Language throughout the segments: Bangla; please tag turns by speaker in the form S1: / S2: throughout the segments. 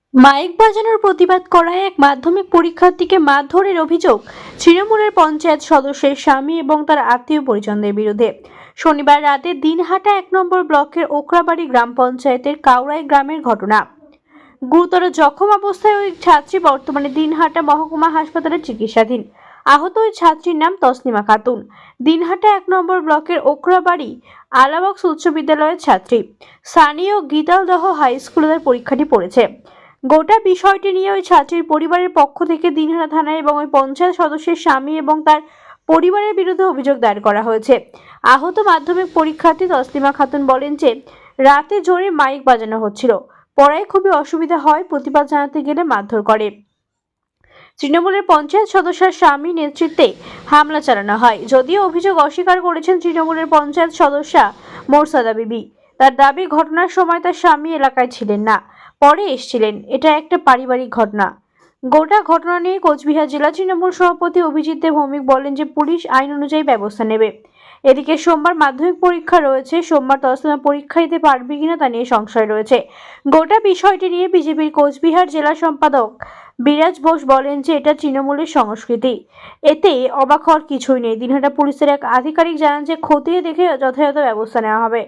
S1: মাইক বাজানোর প্রতিবাদ করায় এক মাধ্যমিক পরীক্ষার্থীকে মারধরের অভিযোগ তৃণমূলের পঞ্চায়েত সদস্যের স্বামী এবং তার আত্মীয় পরিজনদের বিরুদ্ধে। শনিবার রাতে দিনহাটা 1 নম্বর ব্লকের ওকরাবাড়ি গ্রাম পঞ্চায়েতের কাউরাই গ্রামের ঘটনা। গুরুতর জখম অবস্থায় ওই ছাত্রী বর্তমানে দিনহাটা মহকুমা হাসপাতালে চিকিৎসাধীন। আহত ওই ছাত্রীর নাম তসলিমা খাতুন, দিনহাটা 1 নম্বর ব্লকের ওকরাবাড়ি আলাবক্স উচ্চ বিদ্যালয়ের ছাত্রী। স্থানীয় গীতালদহ হাই স্কুলে পরীক্ষাটি পড়েছে। গোটা বিষয়টি নিয়ে ওই ছাত্রীর পরিবারের পক্ষ থেকে দিনহাটা থানায় এবং ওই পঞ্চায়েত সদস্যের স্বামী এবং তার পরিবারের বিরুদ্ধে অভিযোগ দায়ের করা হয়েছে। আহত মাধ্যমিক পরীক্ষার্থী তসলিমা খাতুন বলেন যে রাতে জোরে মাইক বাজানো হচ্ছিল, পড়ায় খুবই অসুবিধা হয়, প্রতিবাদ জানাতে গেলে মারধর করে। তৃণমূলের পঞ্চায়েত সদস্যের স্বামী নেতৃত্বে হামলা চালানো হয়। যদিও অভিযোগ অস্বীকার করেছেন তৃণমূলের পঞ্চায়েত সদস্যা মোরসাদা বিবি। তার দাবি ঘটনার সময় তার স্বামী এলাকায় ছিলেন না, পরে এসেছিলেন। এটা একটা পারিবারিক ঘটনা। গোটা ঘটনা নিয়ে কোচবিহার জেলা তৃণমূল সভাপতি অভিজিৎ দেব ভৌমিক বলেন যে পুলিশ আইন অনুযায়ী ব্যবস্থা নেবে। এদিকে সোমবার মাধ্যমিক পরীক্ষা রয়েছে, সোমবার তসলিমা পরীক্ষা দিতে পারবে কিনা তা নিয়ে সংশয় রয়েছে। গোটা বিষয়টি নিয়ে বিজেপির কোচবিহার জেলা সম্পাদক বিরাজ বোস বলেন যে এটা তৃণমূলের সংস্কৃতি, এতে অবাক হওয়ার কিছুই নেই। দিনহাটা পুলিশের এক আধিকারিক জানান যে খতিয়ে দেখে যথাযথ ব্যবস্থা নেওয়া হবে।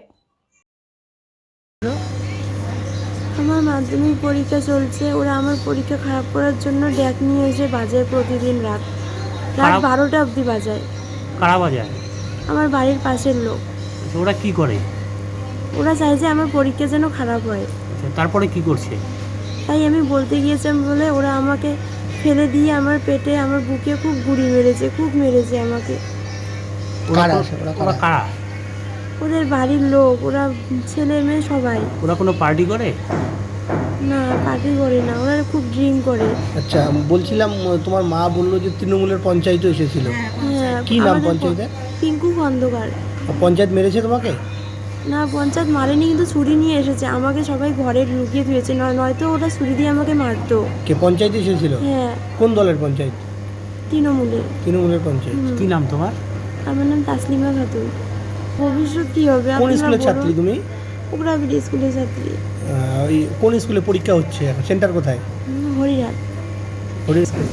S2: আমার মাধ্যমিক পরীক্ষা চলছে, ওরা আমার পরীক্ষা খারাপ করার জন্য ড্যাক নিয়ে এসে বাজায় প্রতিদিন রাত 12টা অবধি বাজায়।
S3: কারা বাজায়?
S2: আমার বাড়ির পাশের লোক।
S3: ওরা কি করে?
S2: ওরা চাই যে আমার পরীক্ষা যেন খারাপ হয়।
S3: তারপরে কি করছে?
S2: তাই আমি বলতে গিয়েছিলাম বলে ওরা আমাকে ফেলে দিয়ে আমার পেটে আমার বুকে খুব গুড়ি মেরেছে, খুব মেরেছে আমাকে।
S3: ওরা কারা?
S2: ওদের বাড়ির লোক, ওরা ছেলে মেয়ে সবাই।
S3: ওরা কোনো পার্টি করে?
S2: না, পার্টি করে না, ওরা খুব ড্রিঙ্ক করে।
S4: আচ্ছা, বলছিলাম তোমার মা বললো যে তৃণমূলের পঞ্চায়েতও এসেছিল।
S2: হ্যাঁ,
S4: কি নাম
S2: আমাদের
S4: পঞ্চায়েতের?
S2: পিঙ্কু খন্দকার।
S4: পঞ্চায়েত মেরেছে তোমাকে?
S2: না, পঞ্চায়েত মারেনি, কিন্তু ছুরি নিয়ে এসেছে আমাকে, সবাই ঘরে লুকিয়ে দিয়েছে, নয়তো ওরা ছুরি দিয়ে আমাকে মারতো।
S4: কে পঞ্চায়েতে এসেছিল?
S2: হ্যাঁ।
S4: কোন দলের পঞ্চায়েত?
S2: তৃণমূলের।
S4: তৃণমূলের পঞ্চায়েত।
S3: কি নাম তোমার?
S2: আমার নাম তাসলিমা খাতুন। ভবিষ্যৎ কি হবে?
S4: কোন স্কুলের ছাত্রী তুমি?
S2: ওকরাবাড়ি স্কুলের ছাত্রী।
S4: ওই কোন স্কুলে পরীক্ষা হচ্ছে এখন? সেন্টার কোথায়?
S2: হরিরাট।
S4: হরিরাট।